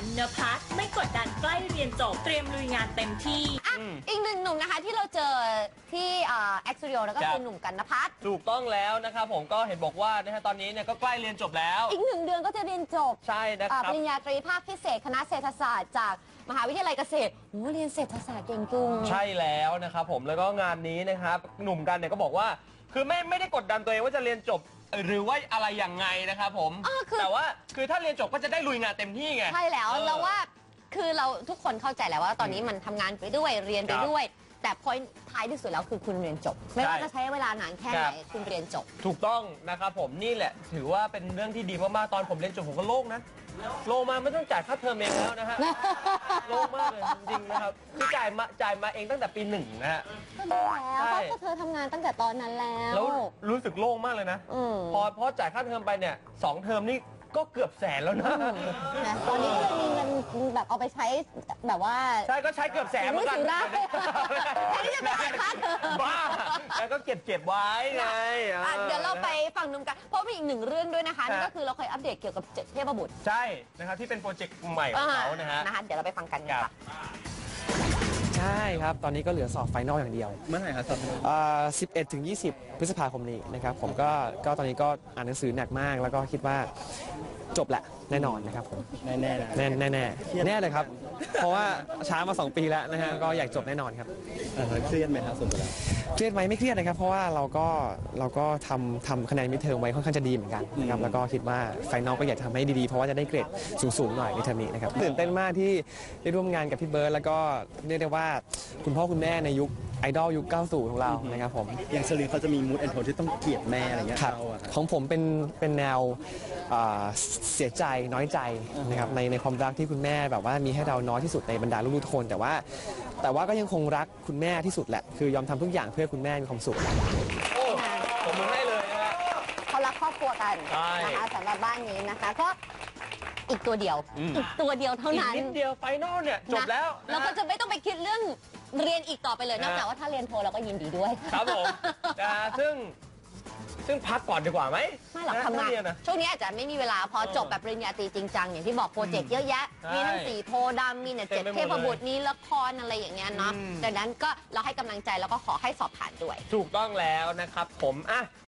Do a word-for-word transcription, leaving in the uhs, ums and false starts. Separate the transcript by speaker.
Speaker 1: กันนภัสไม่กดดันใกล้เรียนจบเตรียมลุยงานเต็มที่
Speaker 2: อ่ะอีกหนึ่งหนุ่มนะคะที่เราเจอที่แอคซ์ตูดิโอแล้วก็คือหนุ่มกันนภัส
Speaker 3: ถูกต้องแล้วนะครับผมก็เห็นบอกว่านะฮะตอนนี้เนี่ยก็ใกล้เรียนจบแล้ว
Speaker 2: อีกหนึ่งเดือนก็จะเรียนจบ
Speaker 3: ใช่นะครับ
Speaker 2: ปริญญาตรีภาคพิเศษคณะเศรษฐศาสตร์จากมหาวิทยาลัยเกษตรโอ้เรียนเศรษฐศาสตร์เก่งจุง
Speaker 3: ใช่แล้วนะครับผมแล้วก็งานนี้นะครับหนุ่มกันเนี่ยก็บอกว่าคือไม่ไม่ได้กดดันตัวเองว่าจะเรียนจบหรือว่าอะไรอย่างไงนะครับผมแต่ว่าคือถ้าเรียนจบก็จะได้ลุยงานเต็มที่ไง
Speaker 2: ใช่แล้วแล้วว่าคือเราทุกคนเข้าใจแล้วว่าตอนนี้มันทำงานไปด้วยเรียนไปด้วยแต่พอยท้ายที่สุดแล้วคือคุณเรียนจบไม่ว่าจะใช้เวลานานแค่ไหนคุณเรียนจบ
Speaker 3: ถูกต้องนะครับผมนี่แหละถือว่าเป็นเรื่องที่ดีมากๆตอนผมเรียนจบผมก็โล่งนะโล่งมาไม่ต้องจ่ายค่าเทอมเองแล้วนะฮะโล่งมากเลยจริงๆนะครับที่จ่ายมาจ่ายมาเองตั้งแต่ปีหนึ่งนะฮะ
Speaker 2: ก็รู้แล้วเพราะเธอทำงานตั้งแต่ตอนนั้นแล้ว
Speaker 3: แล้วรู้สึกโล่งมากเลยนะพอพอจ่ายค่าเทอมไปเนี่ยสองเทอมนี่ก็เกือบแสนแล้วนะ
Speaker 2: ตอนนี้ก็เลยมีเงินแบบเอาไปใช้แบบว่า
Speaker 3: ใช่ก็ใช้เกือบแสนเหมือนกัน
Speaker 2: แทนที่จะไปจ่ายค่าเทอม
Speaker 3: บ้าแล้วก็เก็บเก็บไว้ไง
Speaker 2: เดี๋ยวเราไปฟังนุ่มกันเพราะมีอีกหนึ่งเรื่องด้วยนะคะนั่นก็คือเราเคยอัปเดตเกี่ยวกับเทพบุตร
Speaker 3: ใช่นะครับที่เป็นโปรเจกต์ใหม่ของเขานะฮะ
Speaker 2: เดี๋ยวเราไปฟังกันค่ะ
Speaker 4: ใช่ครับตอนนี้ก็เหลือสอบไฟนอลอย่างเดียว
Speaker 3: เมื่อไหร่ครับสอบ
Speaker 4: สิบเอ็ดถึงยี่สิบพฤษภาคมนี้นะครับผมก็ก็ตอนนี้ก็อ่านหนังสือหนักมากแล้วก็คิดว่าจบแหละแน่นอนนะครับผม
Speaker 3: แน่แน่
Speaker 4: แน่แน่แน่แน่เลยครับเพราะว่าช้ามาสองปีแล้วนะฮะก็อยากจบแน่นอนครับ
Speaker 3: เครียดไหมครับส่วนตัว
Speaker 4: เครียดไหมไม่เครียดนะครับเพราะว่าเราก็เราก็ทำทำคะแนนมิดเทอมไว้ค่อนข้างจะดีเหมือนกันนะครับแล้วก็คิดว่าไฟนอลก็อยากทำให้ดีๆเพราะว่าจะได้เกรดสูงๆหน่อยในเทอมนี้นะครับตื่นเต้นมากที่ได้ร่วมงานกับพี่เบิร์ดแล้วก็เรียกได้ว่าคุณพ่อคุณแม่ในยุคไอดอลยุคเก้าสิบของเรานะครับผม
Speaker 3: อย่างเชลีเขาจะมีมูดแอนโทนที่ต้องเกลียดแม่อะไรเงี้ย
Speaker 4: ครับของผมเป็นเป็นแนวเสียใจน้อยใจนะครับในในความรักที่คุณแม่แบบว่ามีให้เราน้อยที่สุดในบรรดาลูกๆทุกคนแต่ว่าแต่ว่าก็ยังคงรักคุณแม่ที่สุดแหละคือยอมทำทุกอย่างเพื่อคุณแม่มีความสุข
Speaker 3: โอ้ผมให้เลยนะ
Speaker 2: เขารักครอบครัวกันนะคะสำหรับบ้านนี้นะคะก็อีกตัวเดียวอีกตัวเดียวเท่านั้น
Speaker 3: อีกนิดเดียวไฟนอลเนี่ยจบแล้ว
Speaker 2: เราก็จะไม่ต้องไปคิดเรื่องเรียนอีกต่อไปเลยนอกจากว่าถ้าเรียนโทเราก็ยินดีด้วย
Speaker 3: ครับผมซึ่งซึ่งพักก่อนดีกว่าไหม
Speaker 2: ไม่หรอกทำงานช่วงนี้อาจจะไม่มีเวลาพอจบแบบปริญญาตรีจริงจังอย่างที่บอกโปรเจกต์เยอะแยะมีทั้งสีโพดำมีเนี่ยเจ็ดเทพบุตรนี้ละครอะไรอย่างเงี้ยเนาะดังนั้นก็เราให้กำลังใจแล้วก็ขอให้สอบผ่านด้วย
Speaker 3: ถูกต้องแล้วนะครับผมอ่ะ